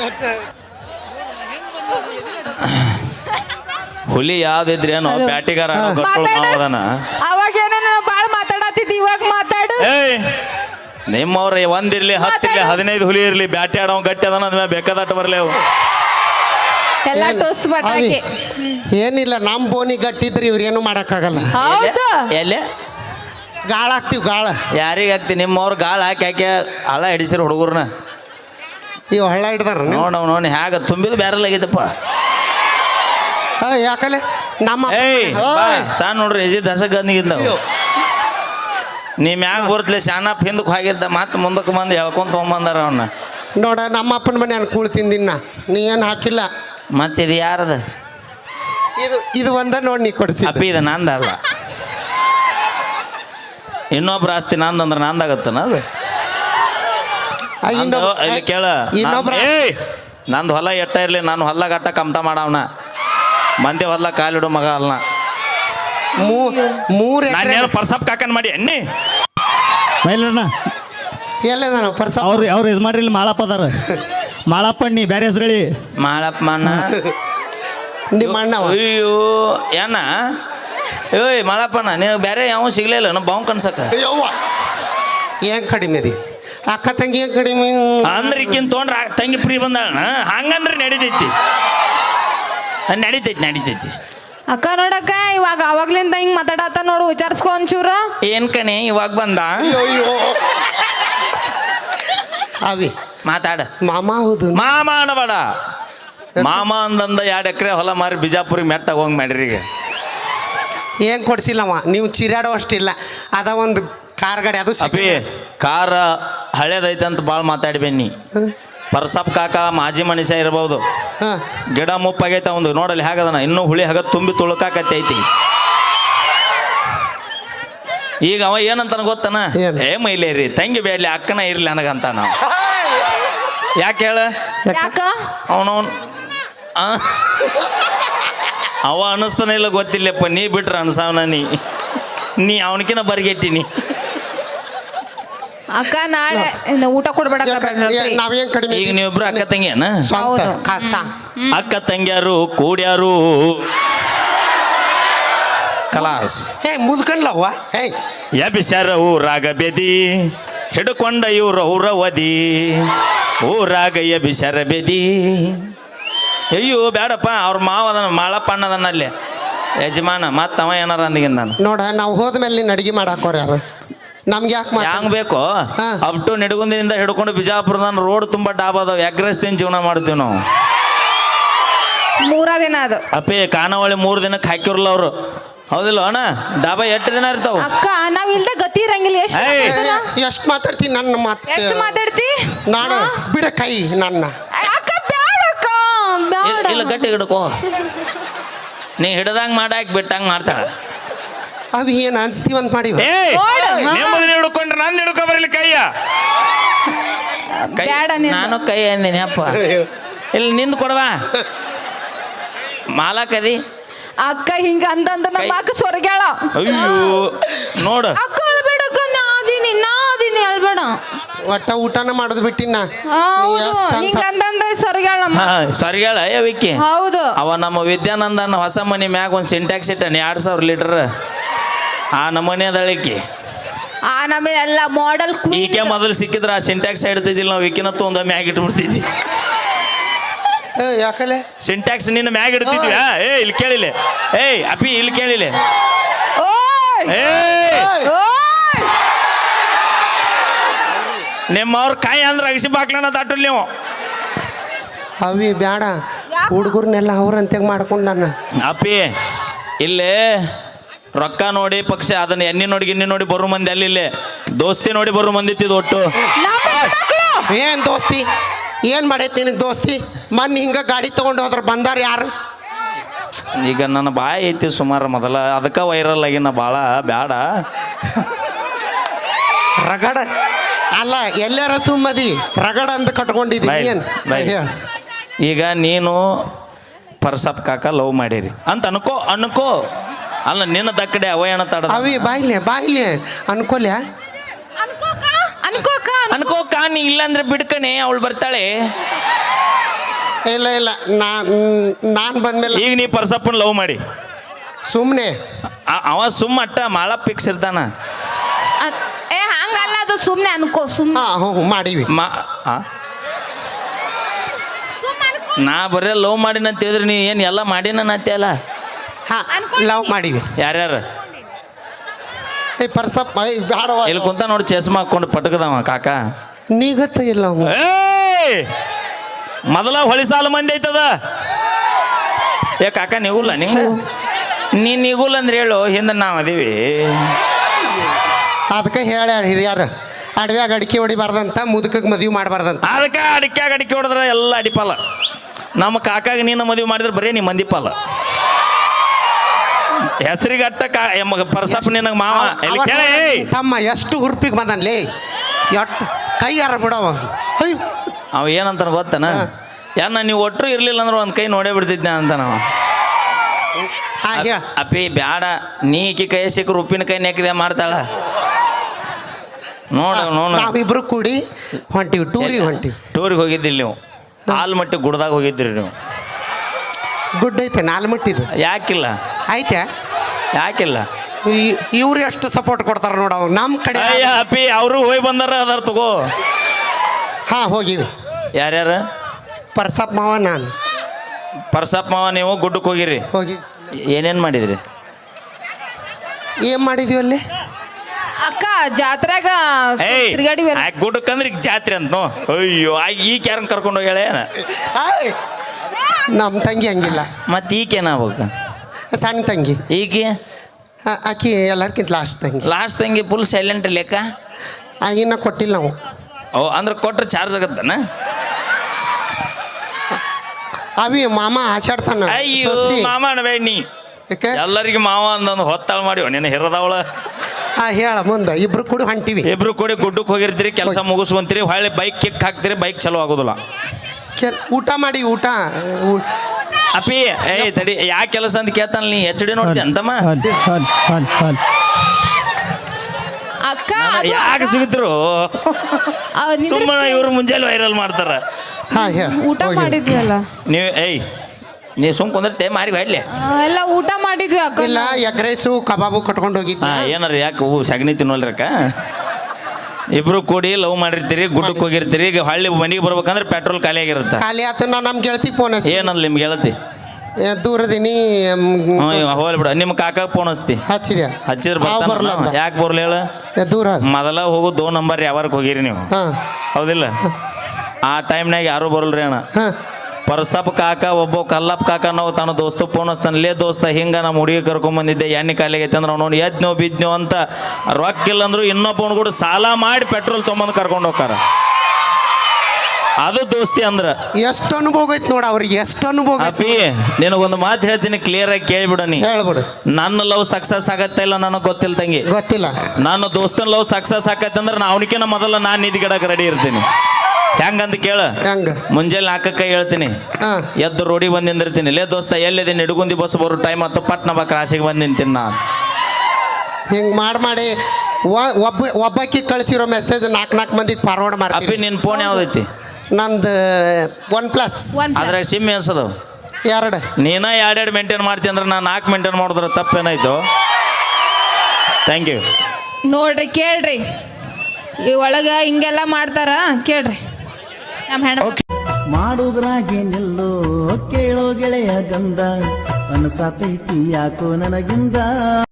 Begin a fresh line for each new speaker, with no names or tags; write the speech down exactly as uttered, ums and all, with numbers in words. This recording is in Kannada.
ಹುಲಿ ಯಾವ್ದಿದ್ರೇನು ಬ್ಯಾಟಿಗಾರ
ಅವಾಗ ಏನೇನೋ ಬಾಳ್ ಮಾತಾಡತ್ತಿದ್ ಇವಾಗ ಮಾತಾಡು.
ಏಯ್ ನಿಮ್ಮವ್ರ ಒಂದಿರ್ಲಿ ಹತ್ತಿರ್ಲಿ ಹದಿನೈದು ಹುಲಿ ಇರ್ಲಿ ಬ್ಯಾಟಿ ಆಡೋ ಗಟ್ಟಿ ಅದನ್ನ ಅದ್ಮೇಲೆ ಬೇಕಾದಟ್ಟು ಬರ್ಲಿ ಅವು
ಎಲ್ಲ ಟೋಸ್ ಬಟಾಕಿ.
ಏನಿಲ್ಲ ನಮ್ ಬೋನಿ ಗಟ್ಟಿದ್ರಿ ಇವ್ರೇನು ಮಾಡಕ್ಕಾಗಲ್ಲ.
ಹೌದು
ಎಲ್ಲೇ
ಗಾಳ ಹಾಕ್ತಿವ್ ಗಾಳ.
ಯಾರಿಗೆ ಹಾಕ್ತಿ ನಿಮ್ಮವ್ರ ಗಾಳ ಹಾಕಿ ಹಾಕಿ ಹಳ್ಳ ಹಿಡಿಸಿರ ಹುಡುಗರ್ನ
ಇವ್ ಹಳ್ಳ ಹಿಡ್ದಾರ
ನೋಡ್ ನೋಡಿ ಹ್ಯಾಗ ತುಂಬಿದ ಬ್ಯಾರಲ್ ಆಗಿದ್ದಪ್ಪ.
ಯಾಕಲೆ ನಮ್ಮ
ಏಯ್ ಸಣ್ಣ ನೋಡ್ರಿ ಎಜಿ ದಸಕ್ ಗಂದಿಗಿದ್ದ ನೀ ಮ್ಯಾಗ ಬರ್ತಲೆ ಶಾನಪ್ ಹಿಂದಕ್ಕೆ ಹೋಗಿದ್ದ ಮತ್ತೆ ಮುಂದಕ್ಕೆ ಬಂದು ಹೇಳ್ಕೊಂತ ತೊಗೊಂಬಂದಾರ ಅವನ್ನ.
ನೋಡ ನಮ್ಮ ಅಪ್ಪನ ಮನೆ ನಾನು ಕೂಳ್ ತಿಂದಿನ ನೀ ಏನು ಹಾಕಿಲ್ಲ.
ಮತ್ತೆ ಇದು ಯಾರದ?
ಇದು ಇದು ಒಂದ ನೋಡಿ ನೀ ಕೊಡಿಸಿ.
ಅಪ್ಪಿ ಇದು ನಂದಲ್ಲ, ಇನ್ನೊಬ್ರ ಆಸ್ತಿ ನಂದಂದ್ರೆ ನಂದಾಗತ್ತನ ಅದು. ಇಲ್ಲಿ ಕೇಳ ಏಯ್ ನಂದು ಹೊಲ ಎಟ್ಟ ಇರ್ಲಿ ನಾನು ಹೊಲ ಗಟ್ಟ ಕಮ್ತ ಮಾಡವನ ಮಂದಿ ಹೊಲ ಕಾಲಿಡು ಮಗ ಅಲ್ಲ.
ಮೂರು
ನಾನೇನು ಪರ್ಸಪ್ ಕಾಕನ್ ಮಾಡಿ ಎಣ್ಣೆ
ಮೈಲಣ್ಣ
ಎಲ್ಲ ಪರ್ಸ
ಅವ್ರು ಅವ್ರು ಇದು ಮಾಡ್ರಿ ಇಲ್ಲಿ ಮಾಳಪ್ಪ ಅದಾರ. ಮಾಳಪ್ಪ ನೀ ಬೇರೆ ಹೆಸರು ಹೇಳಿ.
ಮಾಳಪ್ಪ ಅಣ್ಣ
ನಿಮ್ಮ ಅಣ್ಣ.
ಅಯ್ಯೋ ಏನ ಏಯ್ ಮಾಳಪ್ಪಣ್ಣ ನಿನಗೆ ಬೇರೆ ಯಾವ ಸಿಗ್ಲಿಲ್ಲ ನಾವು ಬಾವು ಕನ್ಸಕ
ಏನ್ ಕಡಿಮೆ ಅದಿ ಅಕ್ಕ ತಂಗಿ ಏನ್ ಕಡಿಮೆ
ಅಂದ್ರೆ ಈಕಿನ್ ತೊಗೊಂಡ್ರ ತಂಗಿ ಫ್ರೀ ಬಂದಾಳ ಹಂಗಂದ್ರೆ ನಡಿತೈತಿ ನಡಿತೈತಿ ನಡಿತೈತಿ
ಅಕ್ಕ ನೋಡಕ್ಕ ಇವಾಗ ಅವಾಗ್ಲಿಂದ ಹಿಂಗ್ ಮಾತಾಡತ್ತ ನೋಡು ವಿಚಾರಿಸ್ಕೊ ಒಂಚೂರ.
ಏನ್ ಕಣೆ ಇವಾಗ ಬಂದ
ಅವಿ
ಮಾತಾಡ
ಮಾಮ. ಹೌದು
ಮಾಮ ಅನ್ನಬೇಡ ಮಾಮ ಅಂದಂದ ಎರಡು ಎಕರೆ ಹೊಲ ಮಾರಿ ಬಿಜಾಪುರಿಗೆ ಮೆಟ್ಟಾಗ ಹೋಗಿ ಮಾಡ್ರಿ. ಈಗ
ಏನ್ ಕೊಡ್ಸಿಲ್ಲವ ನೀವು ಚಿರಾಡೋ ಅಷ್ಟಿಲ್ಲ. ಅದ ಒಂದು ಕಾರ್ ಗಾಡಿ ಅದು
ಅಪ್ಪಿ ಕಾರ ಹಳೇದೈತೆ ಅಂತ ಭಾಳ ಮಾತಾಡಿ ಬನ್ನಿ. ಪರ್ಸಪ್ ಕಾಕ ಮಾಜಿ ಮನುಷ್ಯ ಇರ್ಬೋದು, ಗಿಡ ಮುಪ್ಪಾಗೈತೆ ಒಂದು ನೋಡಲ್ಲಿ ಹಾಗದನ ಇನ್ನೂ ಹುಳಿ ಹಾಗ ತುಂಬಿ ತುಳುಕಾಕತ್ತೆ ಐತಿ. ಈಗ ಅವ ಏನಂತಾನ ಗೊತ್ತನ ಏ ಮೈಲೇರಿ ತಂಗಿ ಬೇಡ್ಲಿ ಅಕ್ಕನ ಇರ್ಲಿ ನನಗಂತ ನಾವು ಯಾಕೆ ಹೇಳ ಅವನವನ್ ಅವ ಅನ್ನಿಸ್ತಾನೆ ಇಲ್ಲ ಗೊತ್ತಿಲ್ಲಪ್ಪ ನೀ ಬಿಟ್ರ ಅನ್ಸಾವನ ನೀ ನೀ ಅವನಕಿನ ಬರ್ಗೆಟ್ಟಿನಿ.
ಅಕ್ಕ ನಾಳೆ ಊಟ ಕೊಡ್ಬೇಡ.
ನಾವೇನ್ ಕಡಿಮೆ
ಈಗ ನೀವಿಬ್ರು ಅಕ್ಕ ತಂಗಿಯನ ಅಕ್ಕ ತಂಗಿಯಾರು ಕೂಡ್ಯಾರು ಕಲಾಸ್
ಹೇ ಮುದ್ಕನ್ಲವ್ವ ಹೇ
ಎಬಿಸ್ಯಾರ ಊರಾಗ ಬೆದಿ ಹಿಡ್ಕೊಂಡ ಇವ್ರ ಊರವದಿ ಊರಾಗ ಎಬಿಸ್ಯಾರ ಬೆದಿ. ಅಯ್ಯೋ ಬೇಡಪ್ಪ ಅವ್ರ ಮಾವ ಅದನ್ನ ಮಾಳಪ್ಪ ಅಣ್ಣದನ್ನ ಅಲ್ಲಿ ಯಜಮಾನ ಮತ್ತ ಅವ ಏನಾರ ಅಂದಿಗಿಂದ ನಾನು
ನೋಡ ನಾವು ಹೋದ್ಮೇಲೆ ನೀನು ಅಡಿಗೆ ಮಾಡಾಕೋರ ಯಾರು ನಮ್ಗೆ ಯಾಕೆ
ಹ್ಯಾಂಗ ಬೇಕೋ ಅಪ್ ಟು ನಿಡಗುಂದಿನಿಂದ ಹಿಡ್ಕೊಂಡು ಬಿಜಾಪುರದ ರೋಡ್ ತುಂಬಾ ಡಾಬ್ ಅದಾವ ಎಗ್ರೆಸ್ ತಿನ್ ಜೀವನ ಮಾಡ್ತೀವಿ ನಾವು.
ಮೂರ ದಿನ ಅದು
ಅಪ್ಪೇ ಖಾನಾವಳಿ ಮೂರು ದಿನಕ್ಕೆ ಹಾಕಿರಲ್ಲ ಅವರು ಹೌದಿಲ್ಲ ಅಣ್ಣ ಡಾಬಾ ಎಷ್ಟು ದಿನ ಇರ್ತಾವ.
ಅಕ್ಕ ನಾವ್ ಇಲ್ದ ಗತಿ ಇರಂಗಿಲ್ಲ.
ಎಷ್ಟು ಮಾತಾಡ್ತೀನಿ ನನ್ನ ಮಾತು
ಎಷ್ಟು ಮಾತಾಡ್ತಿ
ನಾನು ಬಿಡ ಕೈ ನನ್ನ
ಅಕ್ಕ ಬ್ಯಾಡಕ್ಕ ಬ್ಯಾಡ
ಇಲ್ಲ ಗಟ್ಟಿ ಹಿಡ್ಕೋ ನೀ ಹಿಡ್ದಂಗ್ ಮಾಡಾಕ್ ಬಿಟ್ಟಂಗ್ ಮಾಡ್ತಾಳ.
ಅವಿ ಏನ್ ಅನ್ಸ್ತೀವಂತ ಮಾಡಿ
ನೆಮ್ಮದಿ ಹಿಡ್ಕೊಂಡ್ರೆ ನಾನು ಹಿಡ್ಕೊ ಬರಲಿ ಕೈಯ ನಾನು ಕೈ ಅಂದಿನಿ ಅಪ್ಪ ಇಲ್ಲಿ ನಿಂದು ಕೊಡವಾ ಮಾಲಾಕದಿ
ಅಕ್ಕ ಹಿಂಗ ಅಂತಂದ ನಮ್ಮ ಅಕ್ಕ ಸ್ವರ್ಗ್ಯಾಳ.
ಅಯ್ಯೋ ನೋಡು
ಅಕ್ಕ ಅಳ್ಬೇಡಕ್ಕ ನಾದಿನಿ ನಾದಿನಿ ಅಳ್ಬೇಡ
ಒಟ್ಟ ಊಟನ ಮಾಡೋದು ಬಿಟ್ಟಿನ
ಸ್ವರ್ಗ್ಯಾಳ
ಸ್ವರ್ಗ್ಯಾಳ ವಿಕ್ಕಿ.
ಹೌದು
ಅವ ನಮ್ಮ ವಿದ್ಯಾನಂದನ ಹೊಸ ಮನೆ ಮ್ಯಾಗ ಒಂದು ಸಿಂಟ್ಯಾಕ್ಸ್ ಇಟ್ಟಾನೆ ಎರಡ್ ಸಾವಿರ ಲೀಟರ್ ಆ ನಮೂನೆ ಅದಳಿಕೆ
ಆ ನಮಗೆ ಎಲ್ಲ ಮಾಡೆಲ್
ಈಕೆ ಮೊದಲು ಸಿಕ್ಕಿದ್ರೆ ಆ ಸಿಂಟ್ಯಾಕ್ಸ್ ಇಡ್ತಿದ್ದಿಲ್ಲ ನಾವು ವಿಕಿನತ್ತು ಒಂದು ಮ್ಯಾಗ ಇಟ್ಬಿಡ್ತಿದ್ವಿ.
ಯಾಕಲೆ
ಸಿಂಟ್ಯಾಕ್ಸ್ ನಿನ್ನ ಮ್ಯಾಗ ಇಡ್ತಿದ್ವಿ. ಏ ಇಲ್ಲಿ ಕೇಳಿಲ್ಲ ಏಯ್ ಅಪ್ಪಿ ಇಲ್ಲಿ ಕೇಳಿಲ್ಲ ನಿಮ್ಮವ್ರ ಕಾಯಿ ಅಂದ್ರೆ ಅಗಸಿ ಬಾಕ್ಲನ ದಾಟಲ್ ನೀವು
ಅವಿ ಬ್ಯಾಡ ಹುಡುಗರ್ನೆಲ್ಲ ಅವ್ರಂತೆ ಮಾಡ್ಕೊಂಡು ನನ್ನ
ಅಪ್ಪಿ ಇಲ್ಲೇ ರೊಕ್ಕ ನೋಡಿ ಪಕ್ಷ ಅದನ್ನ ಎಣ್ಣೆ ನೋಡಿ ಗಿಣ್ಣಿ ನೋಡಿ ಬರೋ ಮಂದಿ ಅಲ್ಲಿ ಇಲ್ಲೇ ದೋಸ್ತಿ ನೋಡಿ ಬರೋ ಮಂದಿ ಇತ್ತಿದ್ ಒಟ್ಟು.
ಏನ್ ದೋಸ್ತಿ ಏನ್ ಮಾಡೈತಿ ನಿನಗೆ ದೋಸ್ತಿ? ಮೊನ್ನೆ ಹಿಂಗ ಗಾಡಿ ತಗೊಂಡು ಹೋದ್ರ ಬಂದಾರ ಯಾರು?
ಈಗ ನನ್ನ ಬಾಯಿ ಐತಿ ಸುಮಾರು ಮೊದಲ ಅದಕ್ಕೆ ವೈರಲ್ ಆಗಿನ ಭಾಳ ಬ್ಯಾಡ
ರಗಡ ಅಲ್ಲ ಎಲ್ಲಾರ ಸುಮ್ಮದಿ ರಗಡ ಅಂತ ಕಟ್ಕೊಂಡಿದ್ದೀನಿ.
ಈಗ ನೀನು ಪರ್ಸಪ್ ಕಾಕ ಲವ್ ಮಾಡಿರಿ ಅಂತ ಅನ್ಕೋ ಅನ್ಕೋ ಅಲ್ಲ ನಿನ್ನ ದಕ್ಕಡೆ ಅವಯಣ ತಡ
ಅವಿ ಬಾಯ್ಲೆ ಬಾಯ್ಲೆ ಅನ್ಕೋಲ್ಯಾ
ಅನ್ಕೋಕ ಅನ್ಕೋಕ
ಅನ್ಕೋಕ ನೀ ಇಲ್ಲಾಂದ್ರೆ ಬಿಡ್ಕಣೆ ಅವಳು ಬರ್ತಾಳೆ.
ಇಲ್ಲ ಇಲ್ಲ ನಾನು ನಾನು ಬಂದ್ಮೇಲೆ
ಈಗ ನೀ ಪರ್ಸಪ್ಪನ ಲವ್ ಮಾಡಿ
ಸುಮ್ಮನೆ
ಆ- ಅವ ಸುಮ್ಮ ಅಟ್ಟ ಮಾಳ ಫಿಕ್ಸ್ ಇರ್ತಾನ
ಅದ್- ಏ ಹಂಗಲ್ಲ ಅದು ಸುಮ್ನೆ ಅನ್ಕೋ ಸುಮ್ನೆ
ಹಾಂ ಹ್ಞೂ ಮಾಡೀವಿ
ಮಾ ಆ? ನಾ ಬರೇ ಲವ್ ಮಾಡಿನ ಅಂತ ಹೇಳಿದ್ರಿ ನೀ ಏನು ಎಲ್ಲ ಮಾಡಿನ ಅಲ್ಲ
ಹಾಂ ಲವ್ ಮಾಡೀವಿ
ಯಾರ್ಯಾರು
ಏ ಪರ್ಸಪ್ಪ ಏ ಬ್ಯಾಡವ
ಇಲ್ಲಿ ಕುಂತ ನೋಡಿ ಚಸ್ಮಾ ಹಾಕೊಂಡು ಪಟಕದವ ಕಾಕ
ನೀಗತ್ತ ಇಲ್ಲ ಅವ
ಏಯ್ ಮೊದಲ ಹೊಳಿ ಸಾಲ ಮಂದಿ ಐತದ ಏ ಕಾಕ ನಿಗುಲ್ಲ ನಿಂಗ ನೀ ನಿಗುಲ್ಲ ಅಂದ್ರೆ ಹೇಳು ಹಿಂದೆ ನಾವು ಅದೀವಿ
ಅದಕ್ಕೆ ಹೇಳ್ಯಾರ ಹಿರಿಯರು ಅಡವ್ಯಾಗ ಅಡಿಕೆ ಹೊಡಿಬಾರ್ದಂತ ಮುದುಕಕ್ಕೆ ಮದುವೆ ಮಾಡಬಾರ್ದಂತ
ಅದಕ್ಕೆ ಅಡಿಕೆ ಅಡಿಕೆ ಹೊಡೆದ್ರೆ ಎಲ್ಲ ಅಡಿಪಾಲ ನಮ್ಮ ಕಾಕಾಗ ನೀನು ಮದುವೆ ಮಾಡಿದ್ರೆ ಬರೀ ನೀ ಮಂದಿಪಾಲ ಹೆಸರಿಗೆ ಅಟ್ಟ ಕಾ ಎಮ್ಮ ಪರ್ಸಪ್ಪ ನಿನಗೆ ಮಾವ ಇಲ್ಲಿ ಕೇಳ ಏಯ್
ತಮ್ಮ ಎಷ್ಟು ಹುರ್ಪಿಗೆ ಬಂದನ್ಲೇ ಎಷ್ಟು ಕೈ ಯಾರ ಬಿಡವ ಅಯ್ಯೋ
ಅವ ಏನಂತಾನ ಗೊತ್ತನ ಯಾನ ನೀವು ಒಟ್ಟರು ಇರ್ಲಿಲ್ಲ ಅಂದ್ರೆ ಒಂದು ಕೈ ನೋಡೇ ಬಿಡ್ತಿದ್ದೆ ಅಂತ ನಾವು
ಹಾಗೆ
ಅಪ್ಪಿ ಬ್ಯಾಡ ನೀ ಈಕಿ ಕೈ ಸಿಕ್ಕರು ಉಪ್ಪಿನ ಕೈ ನೆಕ್ಕಿದೆ ಮಾಡ್ತಾಳ ನೋಡು ನೋಡು
ನಾವಿಬ್ರು ಕೂಡಿ ಹೊಂಟಿವಿ ಟೂರಿಗೆ ಹೊಂಟಿವಿ
ಟೂರಿಗೆ ಹೋಗಿದ್ದಿಲ್ಲ ನೀವು ಆಲ್ಮಟ್ಟಿ ಗುಡ್ದಾಗ ಹೋಗಿದ್ರಿ ನೀವು
ಗುಡ್ ಐತೆ ನಾಲ್ಮಟ್ಟಿದು
ಯಾಕಿಲ್ಲ
ಐತೆ
ಯಾಕಿಲ್ಲ
ಇವ್ರು ಎಷ್ಟು ಸಪೋರ್ಟ್ ಕೊಡ್ತಾರ ನೋಡ ಅವ್ ನಮ್ಮ ಕಡೆ
ಅಯ್ಯ ಅಪ್ಪಿ ಅವರು ಹೋಗಿ ಬಂದಾರ ಅದಾರ ತಗೋ
ಹಾಂ ಹೋಗಿವಿ
ಯಾರ್ಯಾರು
ಪರ್ಸಪ್ಪ ಮಾವ ನಾನು
ಪರ್ಸಪ್ಪ ಮಾವ ನೀವು ಗುಡ್ಡಕ್ಕೆ ಹೋಗಿರಿ
ಹೋಗಿ
ಏನೇನು ಮಾಡಿದ್ರಿ
ಏನು ಮಾಡಿದ್ವಿ ಅಲ್ಲಿ
ಅಕ್ಕ ಜಾತ್ರೆಗ
ಏಯ್
ತಿರ್ಗಾಡಿ
ಆ ಗುಡ್ಡಕ್ಕೆ ಅಂದ್ರೆ ಈಗ ಜಾತ್ರೆ ಅಂತ ನೋ ಅಯ್ಯೋ ಆ ಈಗ ಯಾರನ್ನ ಕರ್ಕೊಂಡು ಹೋಗ್ಯಾಳೆ
ಆಯ್! ನಮ್ಮ ತಂಗಿ ಹಂಗಿಲ್ಲ
ಮತ್ತೆ ಈಗೇನಾಗ್ಬೇಕು
ಸಣ್ಣ ತಂಗಿ
ಈಗ
ಆ- ಆಕಿ ಎಲ್ಲರ್ಕಿಂತ ಲಾಸ್ಟ್ ತಂಗಿ
ಲಾಸ್ಟ್ ತಂಗಿ ಫುಲ್ ಸೈಲೆಂಟ್ ಲೆಕ್ಕ
ಆಗಿನ ಕೊಟ್ಟಿಲ್ಲ ನಾವು
ಓ ಅಂದ್ರೆ ಕೊಟ್ರೆ ಚಾರ್ಜ್ ಆಗತ್ತನ
ಅವಿ ಮಾಮ ಆಚಾಡ್ತಾನ
ಅಯ್ಯೋ
ಸೊಸಿ.
ಮಾಮ ಅನ್ಬೇಡ ನೀ
ಯಾಕೆ
ಎಲ್ಲರಿಗೆ ಮಾವ ಅಂದಂದು ಹೊತ್ತಾಳ ಮಾಡಿ ನಿನ್ನ ಹಿರದವಳ
ಹಾಂ ಹೇಳ ಮುಂದೆ ಇಬ್ರು ಕೂಡ ಹೊಂಟಿವಿ
ಇಬ್ರು ಕೂಡಿ ಗುಡ್ಡಕ್ಕೆ ಹೋಗಿರ್ತೀರಿ ಕೆಲಸ ಮುಗಿಸ್ಕೊಂತೀರಿ ಹೊಳ್ಳಿ ಬೈಕ್ ಕಿಕ್ ಹಾಕ್ತೀರಿ ಬೈಕ್ ಚಲೋ ಆಗೋದಿಲ್ಲ
ಕೆ- ಊಟ ಮಾಡಿ ಊಟ ಊ-
ಅಪ್ಪಿ ಏಯ್ ತಡಿ ಯಾ ಕೆಲಸ ಅಂತ ಕೇಳ್ತಾನ ನೀ ಎಚ್ ಡಿ ನೋಡ್ತಿ ಅಂತಮ್ಮ
ಹಲ್ ಹಲ್ ಹಲ್ ಹಲ್
ಅಕ್ಕ
ಯಾಕೆ ಸಿಗುತ್ತರು ಸುಮ್ಮನೆ ಇವ್ರು ಮುಂಜಾನೆ ವೈರಲ್ ಮಾಡ್ತಾರ
ಹಾಂ ಹೇಳ
ಊಟ ಮಾಡಿದ್ವಿ ಅಲ್ಲ
ನೀವು ಏಯ್ ನೀ ಸುಮ್ ಕುಂದಿರ್ತೆ ಮಾರಿ ಹೊಡ್ಲಿ
ಆ, ಎಲ್ಲ ಊಟ ಮಾಡಿದ್ವಿ ಅಕ್ಕ
ಇಲ್ಲ ಎಗ್ ರೈಸು ಕಬಾಬು ಕಟ್ಕೊಂಡು ಹೋಗಿದ್ದೆ
ಹಾ ಏನಾರ ಯಾಕೆ ಹೂ ಸಗಣಿ ತಿನ್ನೋಲ್ರಕ್ಕ ಇಬ್ರು ಕೂಡಿ ಲವ್ ಮಾಡಿರ್ತೀರಿ ಗುಡ್ಡಕ್ಕೆ ಹೋಗಿರ್ತೀರಿ ಈಗ ಹಳ್ಳಿ ಮನೆಗೆ ಬರ್ಬೇಕಂದ್ರೆ ಪೆಟ್ರೋಲ್ ಖಾಲಿ ಆಗಿರುತ್ತೆ
ಖಾಲಿ ಆತ ನಾ ನಮ್ಮ ಗೆಳತಿ ಫೋನ್ ಹಚ್ತಿ
ಏನಂದ್ ನಿಮ್ಗೆ ಹೇಳ್ತಿ
ದೂರದಿನಿ
ಹೋಗ್ಲಿ ಬಿಡ ನಿಮ್ಮ ಕಾಕಾಗ ಫೋನ್ ಹಚ್ತಿ
ಹಚ್ಚಿದೆ
ಹಚ್ಚಿದ್ರೆ
ಅವ್ ಬರಲ್ಲ
ಬರ್ತಾನ
ಅಂದ.
ಯಾಕೆ ಬರ್ಲಿ ಹೇಳ
ಏ, ದೂರ
ಮೊದಲ ಹೋಗೋ ದೋ ನಂಬರ್ ಯಾವಾರಕ್ಕೆ ಹೋಗಿರಿ ನೀವು
ಹಾಂ
ಹೌದಿಲ್ಲ ಆ ಟೈಮ್ನಾಗ ಯಾರು ಬರಲ್ರಿ ಅಣ್ಣ
ಹಾಂ
ಪರ್ಸಪ್ ಕಾಕ ಒಬ್ಬ ಕಲ್ಲಪ್ಪ ಕಾಕ ನಾವು ತನ್ನ ದೋಸ್ತ ಫೋನ್ ಹಚ್ತಾನೆ ಲೇ ದೋಸ್ತ ಹಿಂಗ ನಮ್ಮ ಹುಡುಗಿ ಕರ್ಕೊಂಬಂದಿದ್ದೆ ಎಣ್ಣೆ ಕಾಲಿಗೆ ಐತೆ ಅಂದ್ರೆ ಅವ್ನು ಎದ್ನೋ ಬಿದ್ನೋ ಅಂತ ರೊಕ್ಕ ಇಲ್ಲ ಅಂದ್ರು ಇನ್ನೊಬ್ಬನ ಕೂಡ ಸಾಲ ಮಾಡಿ ಪೆಟ್ರೋಲ್ ತೊಗೊಂಬಂದು ಕರ್ಕೊಂಡು ಹೋಗ್ತಾರ ಅದು ದೋಸ್ತಿ ಅಂದ್ರ
ಎಷ್ಟು ಅನುಭವ ಐತಿ ನೋಡ ಅವ್ರಿಗೆ ಎಷ್ಟು ಅನುಭವ ಐತಿ
ಅಪ್ಪಿ ನಿನಗೊಂದು ಮಾತು ಹೇಳ್ತೀನಿ ಕ್ಲಿಯರ್ ಆಗಿ ಕೇಳ್ಬಿಡ ನೀ
ಹೇಳ್ಬಿಡು
ನನ್ನ ಲವ್ ಸಕ್ಸಸ್ ಆಗತ್ತೆ ಇಲ್ಲ ನನಗೆ ಗೊತ್ತಿಲ್ಲ ತಂಗಿ
ಗೊತ್ತಿಲ್ಲ
ನಾನು ದೋಸ್ತನ ಲವ್ ಸಕ್ಸಸ್ ಆಕತ್ತೆ ಅಂದ್ರೆ ನಾ ಅವನಿಕಿನ ಮೊದಲ ನಾನು ನಿಧಿಗಿಡಕ್ಕೆ ರೆಡಿ ಇರ್ತೀನಿ ಹೆಂಗಂತ ಕೇಳ
ಹೆಂಗ
ಮುಂಜಾನೆ ನಾಲ್ಕಕ್ಕೆ ಹೇಳ್ತೀನಿ
ಹಾಂ
ಎದ್ದು ರೋಡಿಗೆ ಬಂದು ನಿಂದಿರ್ತೀನಿ ಲೇ ದೋಸ್ತ ಎಲ್ಲಿದೆ ನಿಡುಗುಂದಿ ಬಸ್ ಬರೋ ಟೈಮ್ ಹತ್ತು ಪಟ್ನ ಬಾ ಕ್ರಾಸಿಗೆ ಬಂದು ನಿಂತೀನಿ ನಾ
ಹಿಂಗೆ ಮಾಡಿ ಮಾಡಿ ಒ- ಒಬ್ಬ ಒಬ್ಬಾಕಿ ಕಳಿಸಿರೋ ಮೆಸೇಜ್ ನಾಲ್ಕು ನಾಲ್ಕು ಮಂದಿಗೆ ಫಾರ್ವರ್ಡ್
ಅಪ್ಪಿ
ಮಾಡ್ತೀವಿ
ನಿನ್ನ ಫೋನ್ ಯಾವ್ದೈತಿ
ನಂದು ಒನ್ ಪ್ಲಸ್
ಒಂದ್
ಅದ್ರಾಗ ಸಿಮ್ ಎನ್ಸದವು
ಎರಡು
ನೀನ ಎರಡೆರಡು ಮೇಂಟೈನ್ ಮಾಡ್ತೀನಿ ಅಂದ್ರೆ ನಾನು ನಾಲ್ಕು ಮೇಂಟೈನ್ ಮಾಡಿದ್ರೆ ತಪ್ಪೇನಾಯ್ತು ಥ್ಯಾಂಕ್ ಯು
ನೋಡ್ರಿ ಕೇಳ್ರಿ ಈ ಒಳಗ ಹಿಂಗೆಲ್ಲ ಮಾಡ್ತಾರ ಕೇಳ್ರಿ ನಮ್ಮ ಹೆಣ್ಣ
ಮಾಡುದ್ರಾಗೆ ನಿಲ್ಲು ಕೇಳೋ ಗೆಳೆಯ ಗಂಧ ಅನಸಾತೈತಿ ಯಾಕೋ ನನಗಿಂದ